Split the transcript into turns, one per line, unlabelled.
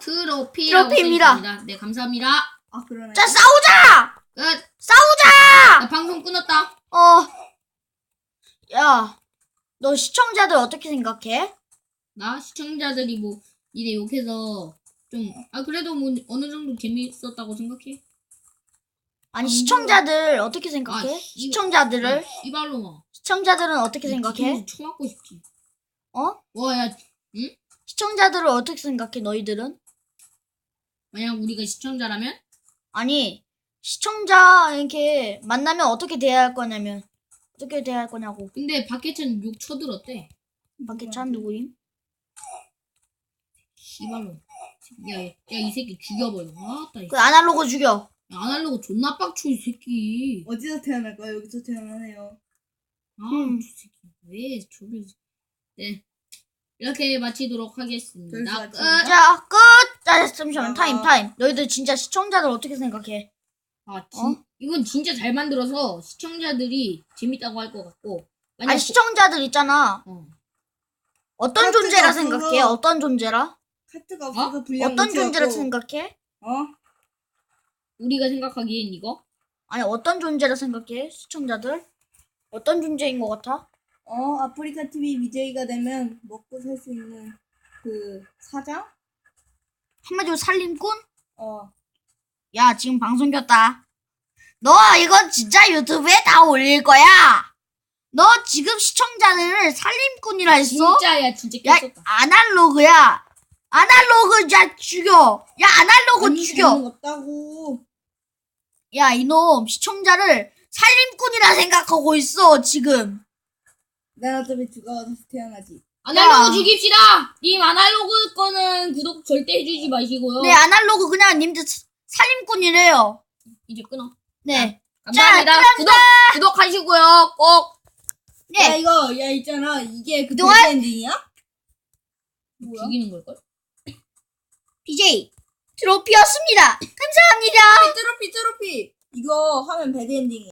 트로피라고
트로피입니다.
써있습니다. 네, 감사합니다.
아 그러네.
자, 싸우자!
끝.
싸우자!
나 방송 끊었다.
야, 너 시청자들 어떻게 생각해?
나 시청자들이 뭐 이래 욕해서 좀 그래도 뭐 어느 정도 재밌었다고 생각해.
아니, 시청자들 어떻게 생각해? 시청자들을?
이발로마.
시청자들은 어떻게 생각해?
쳐맞고 싶지.
어?
와, 야, 응?
시청자들을 어떻게 생각해, 너희들은?
만약 우리가 시청자라면?
아니, 시청자 이렇게 만나면 어떻게 대할 거냐면 어떻게 대할 거냐고.
근데 박해찬 욕 쳐들었대.
박해찬 누구임?
이발로. 야, 이 새끼 죽여버려. 아따,
그 아날로그 죽여.
아날로그 존나 빡쳐, 이 새끼.
어디서 태어날까요? 여기서 태어나네요.
이 새끼. 왜 저를. 네. 이렇게 마치도록 하겠습니다.
여기서
끝.
마칩니다.
자, 끝. 자, 잠시만. 타임. 너희들 진짜 시청자들 어떻게 생각해?
이건 진짜 잘 만들어서 시청자들이 재밌다고 할 것 같고.
아니, 시청자들 있잖아. 어떤
카트가
존재라
없어서.
생각해? 어떤 존재라?
카트가 없어서 분량
어떤
못
존재라
채웠고.
생각해?
우리가 생각하기엔 이거?
아니, 어떤 존재라 생각해? 시청자들? 어떤 존재인 것 같아?
아프리카 TV BJ가 되면 먹고 살 수 있는 그 사장?
한마디로 살림꾼?
어.
야, 지금 방송 켰다. 너 이건 진짜 유튜브에 다 올릴 거야. 너 지금 시청자들을 살림꾼이라 했어?
진짜야, 진짜
야,
깼었다.
아날로그야. 아날로그 야 죽여. 야, 아날로그
아니,
죽여.
잘못없다고.
야, 이놈 시청자를 살림꾼이라 생각하고 있어 지금.
난 어차피 죽어서 태어나지.
아날로그 죽입시다! 님 아날로그 거는 구독 절대 해주지 마시고요.
네, 아날로그 그냥 님들 살림꾼이래요.
이제 끊어.
네.
감사합니다. 구독하시고요. 꼭.
네.
야 있잖아. 이게 그
그동안-
엔딩이야? 뭐야?
죽이는 걸걸?
BJ 트로피였습니다. 감사합니다.
트로피. 이거 하면 배드 엔딩이야.